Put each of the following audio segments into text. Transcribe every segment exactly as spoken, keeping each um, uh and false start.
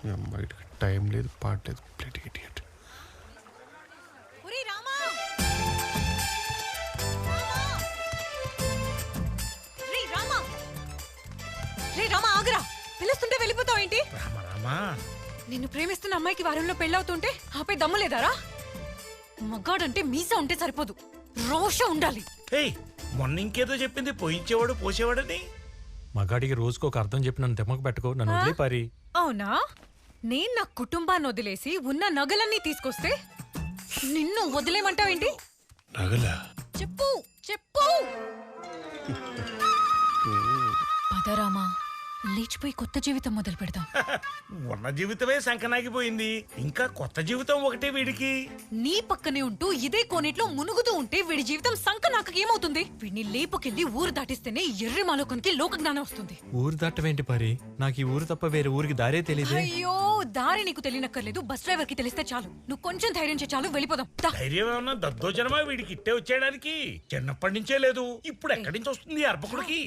అమ్మాయికి టైం లేదు, పాట లేదు. Plate idiot. పిలుస్తుంటే వెళ్ళిపోతావు ఏంటి? నిన్ను ప్రేమిస్తున్న అమ్మాయికి వారంలో పెళ్ళవుతుంటే ఆపై దమ్ము లేదారా? మగాడంటే మీసా ఉంటే సరిపోదు, రోష ఉండాలి. మొన్న ఇంకేదో చెప్పింది, పోయించేవాడు పోసేవాడని. మగాడికి రోజుకు ఒక అర్థం చెప్పి నన్ను తెమ్మకు పెట్టుకో, నన్ను వదిలే పారి. అవునా? నేను నా కుటుంబాన్ని వదిలేసి ఉన్న నగలన్నీ తీసుకొస్తే నిన్ను వదిలేమంటావేంటి? నగలా? చెప్పు చెప్పు. పదరామా, లేచిపోయి కొత్త జీవితం మొదలు పెడదాం. ఉన్న జీవితమే సంకనాగిపోయింది, ఇంకా కొత్త జీవితం ఒకటే వీడికి. నీ పక్కనే ఉంటూ ఇదే కోనేట్లో మునుగుతూ ఉంటే వీడి జీవితం సంకనాక ఏమవుతుంది? వీడిని లేపుకెళ్ళి ఊరు దాటిస్తేనే ఎర్రి మాలోకానికి లోక జ్ఞానం వస్తుంది. ఊరు దాటవేంటి పారి? నాకు ఈ ఊరు తప్ప వేరే ఊరికి దారే తెలియదు. అయ్యో, దారి నీకు తెలియనక్కర్లేదు, బస్ డ్రైవర్ కి తెలిస్తే చాలు. నువ్వు కొంచెం ధైర్యం చే చాలు, వెళ్ళిపోదాం. ధైర్యం ఏమన్నా దద్దోజనమా వీడికి ఇట్టే వచ్చేయడానికి? చిన్నప్పటి నుంచే లేదు, ఇప్పుడు ఎక్కడి నుంచి వస్తుంది అర్పకుడికి?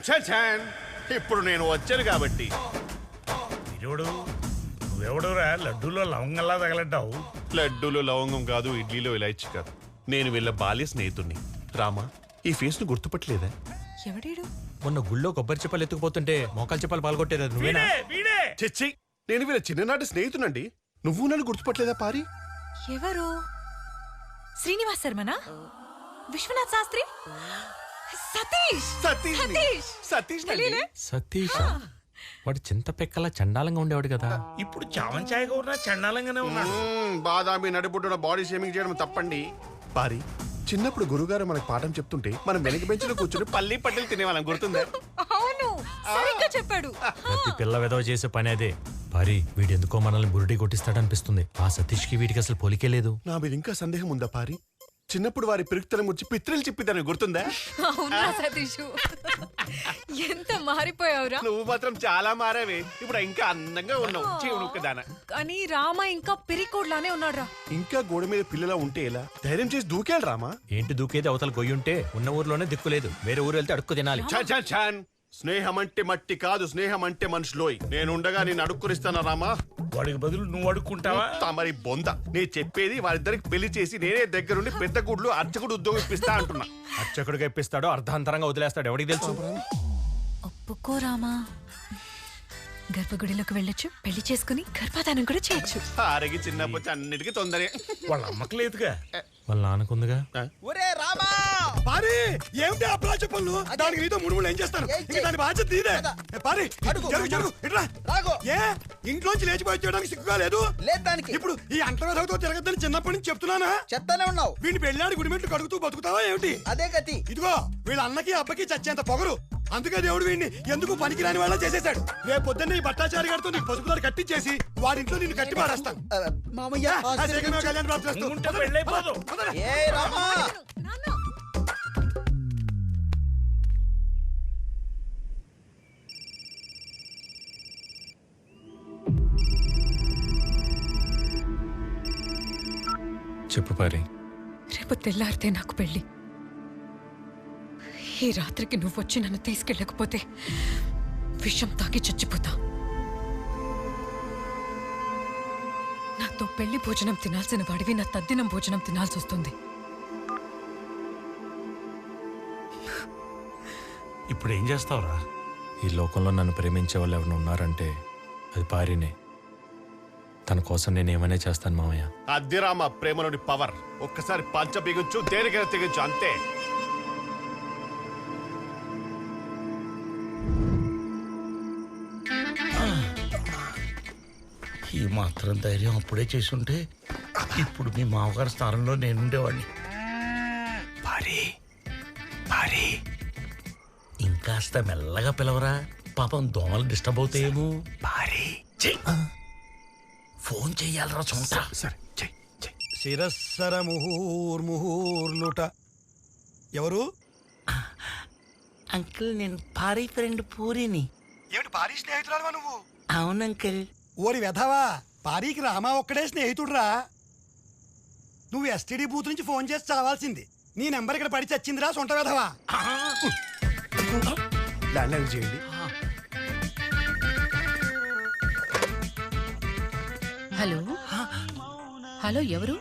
ఇప్పుడు నేను వచ్చాను కాబట్టి. వీడోడు నువ్వెవడురా లడ్డూలో లవంగంలా తగలడ్డావు? లడ్డూలో లవంగం కాదు, ఇడ్లీలో ఇలాచి కాదు. నేను వీళ్ళ బాల్య స్నేహితుడిని. రామా, ఈ ఫేస్ ను గుర్తుపట్టలేదా? ఎవడీడు? మొన్న గుళ్ళో కొబ్బరి చెప్పలు ఎత్తుకుపోతుంటే మోకాలు చెప్పలు పాల్గొట్టేదా నువ్వేనా? చెచ్చి, నేను వీళ్ళ చిన్ననాటి స్నేహితునండి. నువ్వు నన్ను గుర్తుపట్టలేదా పారి? ఎవరు? శ్రీనివాస్ శర్మనా? విశ్వనాథ్ శాస్త్రి? సతీష్ సతీష్ సతీష్ సతీష్ వాడు చింత పెక్కలా చండాలంగా ఉండేవాడు కదా. ఇప్పుడు చావన్ ఛాయగా ఉన్నా చండాలంగానే ఉన్నాడు. బాదామి నడిబుడ్డున బాడీ షేమింగ్ చేయడం తప్పండి. పారి, చిన్నప్పుడు గురుగారు మనకు పాఠం చెప్తుంటే మనం వెనక బెంచ్లో కూర్చుని పల్లి పట్టెలు తినేవాళ్ళం, గుర్తుందా? అవును, సరిగ్గా చెప్పాడు. ప్రతి పిల్ల వెదవ చేసే పని అదే. పారి, వీడెందుకో మనల్ని బురుడి కొట్టిస్తాడనిపిస్తుంది. ఆ సతీష్ కి వీడికి అసలు పోలికే లేదు. నా మీద ఇంకా సందేహం ఉందా పారి? చిన్నప్పుడు వారి పిరుక్తలం వచ్చి పిత్రలు చెప్పిద్దని గుర్తుందా? అవునా సతీష్, ఎంత మారిపోయావురా. నువ్వు మాత్రం చాలా మారావే, ఇప్పుడు ఇంకా అందంగా ఉన్నావు. చెవునుక్కదానా. కానీ రామ ఇంకా పిరికోడ్లానే ఉన్నాడురా. ఇంకా గోడ మీద పిల్లలా ఉంటే ఎలా? ధైర్యం చేసి దూకేయాలి రామా. ఏంటి దూకేది? అవతల గొయ్యుంటే ఉన్న ఊర్లోనే దిక్కులేదు, వేరే ఊరు వెళ్తే అడుక్కు తినాలి. స్నేహం అంటే మట్టి కాదు, స్నేహం అంటే మనుషులోయ్. నేనుండగా నేను అడుక్కునిస్తానా రామా? వాడికి బదులు నువ్వు అడుక్కుంటావా? తమరి బొంద. నేను చెప్పేది వారిద్దరికి పెళ్లి చేసి నేనే దగ్గరుండి పెద్ద గుడ్లు అర్చకుడు ఉద్యోగం ఇప్పిస్తా అంటున్నా. అర్చకుడిగా ఇప్పిస్తాడో అర్ధాంతరంగా వదిలేస్తాడు, ఎవడికి తెలుసు? ఒప్పుకో రామా, గర్భగుడిలోకి వెళ్ళొచ్చు, పెళ్లి చేసుకుని గర్భధానం కూడా చేయొచ్చు. ఆరగి చిన్నప్పటి అన్నిటికీ తొందరే. వాళ్ళ అమ్మకి లేదుగా, వాళ్ళ నాన్నకుందిగా. ఏమిటి ఆ ప్లాచ పనులు? దానికి నీతో ముడుములు ఏం చేస్తాను? ఇంకా దాని బాధ్యత నీదే. పారి, జరుగు జరుగు ఇట్లా. ఏ ఇంట్లోంచి లేచిపోయి చేయడానికి సిగ్గుగా లేదు? ఇప్పుడు ఈ అంటవేదతో తిరగద్దని చిన్నప్పటి నుంచి చెప్తున్నానా? చెప్తానే ఉన్నావు. వీడిని పెళ్ళాడి గుడిమెట్లు కడుగుతూ బతుకుతావా ఏమిటి? అదే గతి. ఇదిగో వీళ్ళ అన్నకి అబ్బకి చచ్చేంత పొగరు. అందుకే దేవుడు వీడిని ఎందుకు పనికిరాని వాళ్ళ చేసేశాడు. రేపు పొద్దున్న ఈ భట్టాచారి గారితో నీకు పసుపుదారు కట్టించేసి వాడింట్లో నిన్ను కట్టి పారేస్తాను. మామయ్య, కళ్యాణ్ ప్రాప్తి. చెప్పు పారి. రేపు తెల్లారితే నాకు పెళ్లి. ఈ రాత్రికి నువ్వు వచ్చి నన్ను తీసుకెళ్ళకపోతే విషం తాగి చచ్చిపోతా. నాతో పెళ్లి భోజనం తినాల్సిన వాడివి నా తద్దినం భోజనం తినాల్సి వస్తుంది. ఇప్పుడు ఏం చేస్తావురా? ఈ లోకంలో నన్ను ప్రేమించే వాళ్ళు ఎవరైనా ఉన్నారంటే అది పారినే. తన కోసం నేను ఏమైనా చేస్తాను మామయ్య. అద్దె రామ ప్రేమలోని పవర్. ఒక్కసారి పంచ బిగించు, దేనికైనా తెగించు, అంతే. ఈ మాత్రం ధైర్యం అప్పుడే చేసుంటే ఇప్పుడు మీ మామగారి స్థానంలో నేనుండేవాడిని. భారీ భారీ ఇంకాస్త మెల్లగా పిలవరా, పాపం దోమలు డిస్టర్బ్ అవుతాయేమో. భారీ ఫోన్ చెయ్యాలరా చూంటా. సరే చెయ్ చెయ్. శిరస్సర ముహూర్ముహూర్లుట. ఎవరు? అంకుల్, నేను భారీ ఫ్రెండ్ పూరిని. ఏమిటి పారీ స్నేహితురాలువా నువ్వు? అవును అంకుల్. ఓరి వెధవా, పారీకి రామా ఒక్కడే స్నేహితుడురా. నువ్వు ఎస్టీడీ బూత్ నుంచి ఫోన్ చేసి చావాల్సింది. నీ నెంబర్ ఇక్కడ పడి చచ్చిందిరా సొంట వెధవా. ల్యాండ్ లైన్ చేయండి. హలో హలో ఎవరు?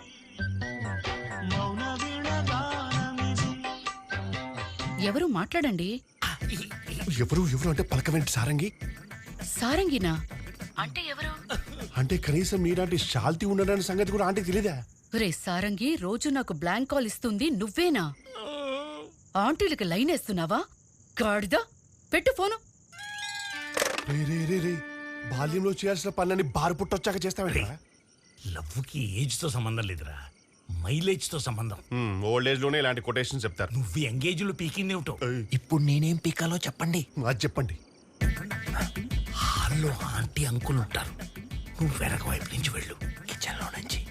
ఎవరు మాట్లాడండి. ఎవరు ఎవరు అంటే పలకవేంటి సారంగి? సారంగినా అంటే ఎవరు? అంటే కనీసం నీలాంటి శాల్తీ ఉండడానికి సంగతి కూడా ఆంటీకి తెలీదా? రే సారంగి, రోజు నాకు బ్లాంక్ కాల్ ఇస్తుంది నువ్వేనా? ఆంటీలకి లైన్ వేస్తున్నావా? గాడిదా, పెట్టు ఫోను. రే రే రే రే బాల్యంలో చేయాల్సిన పనులని బారు పుట్టొచ్చాక చేస్తావేంటి? లవ్వుకి ఏజ్ తో సంబంధం లేదురా, మైలేజ్ తో సంబంధం. ఓల్డ్ ఏజ్ లోనే ఇలాంటి కొటేషన్ చెప్తారు. నువ్వు ఎంగేజ్ లో పీకింది ఏమిటో. ఇప్పుడు నేనేం పీకాలో చెప్పండి. అది చెప్పండి. హాల్లో ఆంటీ అంకుల్ ఉంటారు, నువ్వు వెనక వైపు నుంచి వెళ్ళు, కిచెన్ లో నుంచి.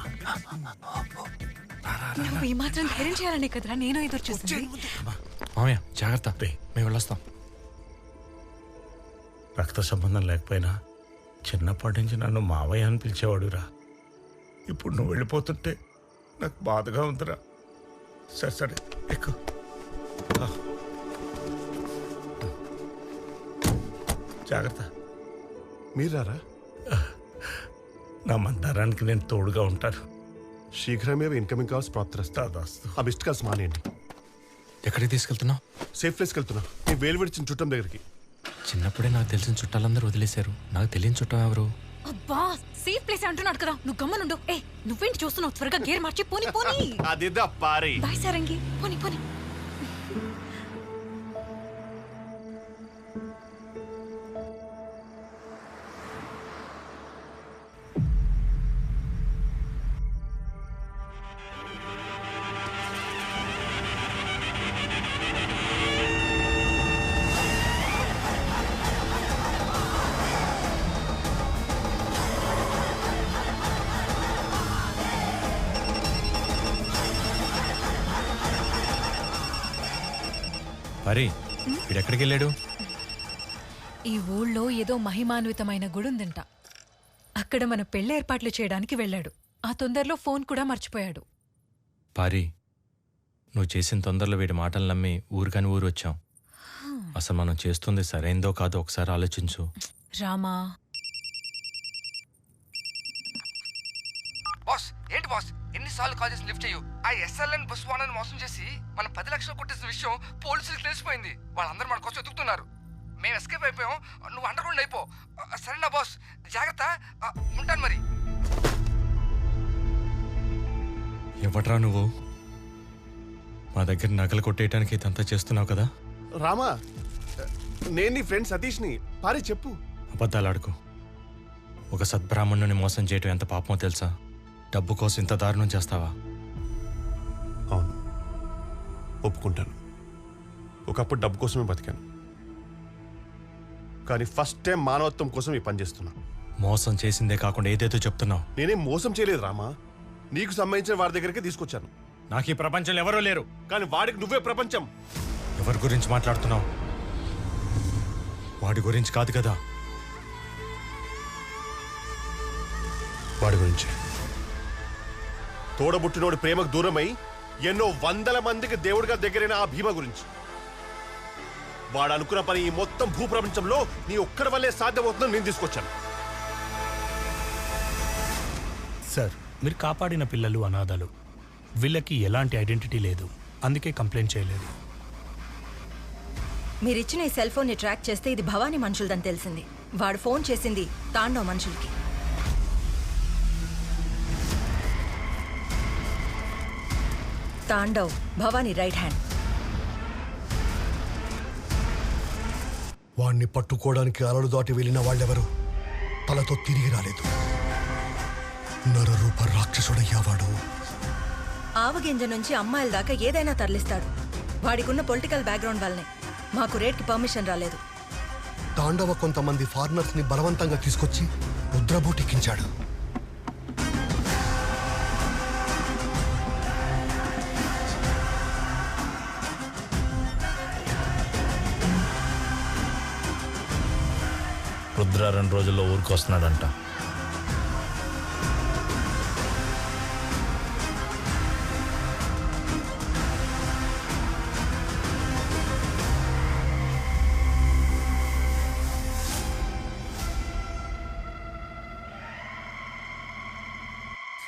నువ్వు ఈ మాత్రం ధైర్యం చేయాలనే కదరా నేను ఎదురు చూస్తుంది. మామయ్య జాగ్రత్త, మేము వెళ్ళొస్తాం. రక్త సంబంధం లేకపోయినా చిన్నప్పటి నుంచి నన్ను మావయ్య అని పిలిచేవాడురా. ఇప్పుడు నువ్వు వెళ్ళిపోతుంటే నాకు బాధగా ఉందిరా. సరే సరే ఎక్కు. జాగ్రత్త. మీరారా? నా మందారానికి నేను తోడుగా ఉంటాను. శీఘ్రమే ఇన్కమింగ్ కాల్స్ ప్రాప్తిస్తాస్తు. ఆ మిస్డ్ కాల్స్ మానేయండి. ఎక్కడికి తీసుకెళ్తున్నావు? సేఫ్ ప్లేస్కి వెళ్తున్నా. నీ వేలు విడిచిన చుట్టం దగ్గరికి. చిన్నప్పుడే నాకు తెలిసిన చుట్టాలందరూ వదిలేశారు, నాకు తెలియని చుట్టం ఎవరు? అబ్బా సేఫ్ ప్లేస్ అంటున్నాడు కదా, నువ్వు గమ్మనుండు. ఏ నువ్వేంటి చూస్తున్నావు? త్వరగా గేర్ మార్చి పోని పోని. అదిదా పారి. బాయ్ సారంగి, పోని పోని. అరే వీడెక్కడికి వెళ్ళాడు? ఈ ఊళ్ళో ఏదో మహిమాన్వితమైన గుడి ఉందంట, అక్కడ మన పెళ్లి ఏర్పాట్లు చేయడానికి వెళ్ళాడు. ఆ తొందరలో ఫోన్ కూడా మర్చిపోయాడు. పారి, నువ్వు చేసిన తొందరలో వీడి మాటలు నమ్మి ఊరికని ఊరు వచ్చాం. అసలు మనం చేస్తుంది సరైందో కాదో ఒకసారి ఆలోచించు. రామా. బాస్ ఏంటి బాస్, ఎన్నిసార్లు కాల్ చేసి లిఫ్ట్ చేయు. ఆ ఎస్ఎల్ఎన్ బస్ వానని మోసం చేసి మనం పది లక్షలు కొట్టేసిన విషయం పోలీసులకు తెలిసిపోయింది. వాళ్ళందరూ మన కోసం ఎదుగుతున్నారు. మేము ఎస్కేప్ అయిపోయాం, నువ్వు అండర్ గ్రౌండ్ అయిపో. సరేనా బాస్, జాగ్రత్త. ఉంటాను మరి. ఎవట్రా నువ్వు? మా దగ్గర నగలు కొట్టేయటానికి ఇదంతా చేస్తున్నావు కదా? రామా, నేను నీ ఫ్రెండ్ సతీష్ని. పారి చెప్పు. అబద్ధాలు ఆడుకో. ఒక సద్బ్రాహ్మణుని మోసం చేయటం ఎంత పాపమో తెలుసా? డబ్బు కోసం ఇంత దారుణం చేస్తావా? అవును, ఒప్పుకుంటాను. ఒకప్పుడు డబ్బు కోసమే బతికాను, కానీ ఫస్ట్ టైం మానవత్వం కోసం ఈ పని చేస్తున్నా. మోసం చేసిందే కాకుండా ఏదేదో చెప్తున్నావు. నేనేం మోసం చేయలేదు రామా, నీకు సంబంధించిన వారి దగ్గరికి తీసుకొచ్చాను. నాకు ఈ ప్రపంచంలో ఎవరూ లేరు, కానీ వాడికి నువ్వే ప్రపంచం. ఎవరి గురించి మాట్లాడుతున్నావు? వాడి గురించి కాదు కదా. వాడి గురించి. తోడబుట్టినోడి ప్రేమకు దూరమై ఎన్నో వందల మందికి దేవుడిగా దగ్గరైన ఆ భీమ గురించి. వాడు అనుకున్న పని ఈ మొత్తం భూప్రపంచంలో నీ ఒక్కడి వల్లే సాధ్యమవుతుందని నేను తీసుకొచ్చాను. సార్, మీరు కాపాడిన పిల్లలు అనాథలు. వీళ్ళకి ఎలాంటి ఐడెంటిటీ లేదు, అందుకే కంప్లైంట్ చేయలేదు. మీరిచ్చిన ఈ సెల్ ఫోన్ని ట్రాక్ చేస్తే ఇది భవానీ మనుషులదని తెలిసింది. వాడు ఫోన్ చేసింది తాండవ్ మనుషులకి. Tandav Bhavani right hand. వాణ్ణి పట్టుకోవడానికి అలలు దాటి వెళ్ళిన వాళ్ళెవరు తలతో తిరిగి రాలేదు. నరరూప రాక్షసుడయ్యావాడు. ఆవగింజ నుంచి అమ్మాయిల దాకా ఏదైనా తరలిస్తాడు. వాడికున్న పొలిటికల్ బ్యాక్గ్రౌండ్ వల్లనే మాకు రేట్కి పర్మిషన్ రాలేదు. తాండవ కొంతమంది ఫారినర్స్ ని బలవంతంగా తీసుకొచ్చి ముద్రబోటెక్కించాడు. రుద్ర రెండు రోజుల్లో ఊరికి వస్తున్నాడంట.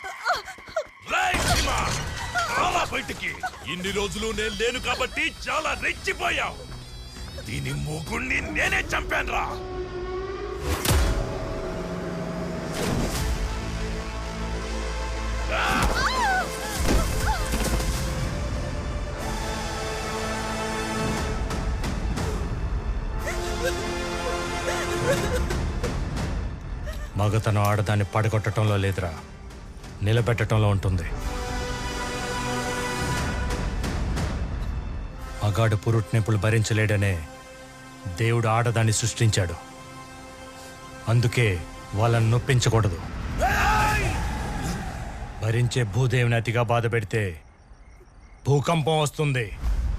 బయటికి ఇన్ని రోజులు నేను లేను కాబట్టి చాలా రెచ్చిపోయావు. దీని మూగుణ్ణి నేనే చంపాను రా. మగతనం ఆడదాన్ని పడగొట్టడంలో లేదురా, నిలబెట్టడంలో ఉంటుంది. మగాడు పురుట్నొప్పులు భరించలేడనే దేవుడు ఆడదాన్ని సృష్టించాడు. అందుకే వాళ్ళని నొప్పించకూడదు. భరించే భూదేవిని అతిగా బాధ పెడితే భూకంపం వస్తుంది.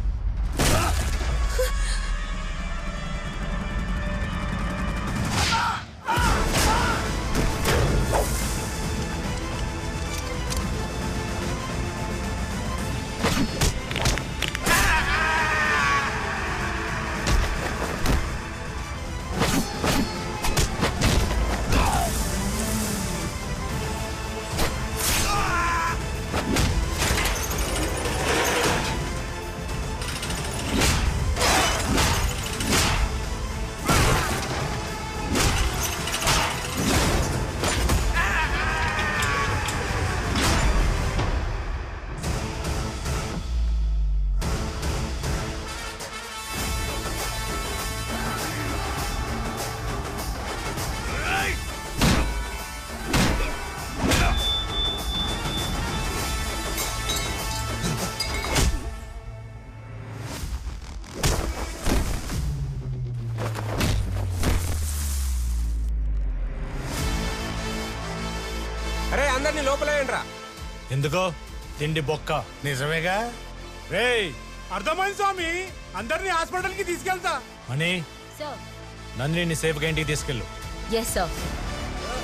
అరే అందరినీ లోపలేయండిరా. ఎందుకో తిండి బొక్క. నిజమేగా? రేయ్ అర్థమైంది స్వామి, అందరినీ హాస్పిటల్ కి తీసుకెళ్తా. అని సార్ నందిని సేఫ్గా ఇంటికి తీసుకెళ్ళు. Yes sir.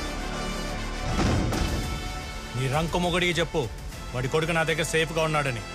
నీ రంకు మొగుడికి చెప్పు వాడి కొడుకు నా దగ్గర సేఫ్గా ఉన్నాడని.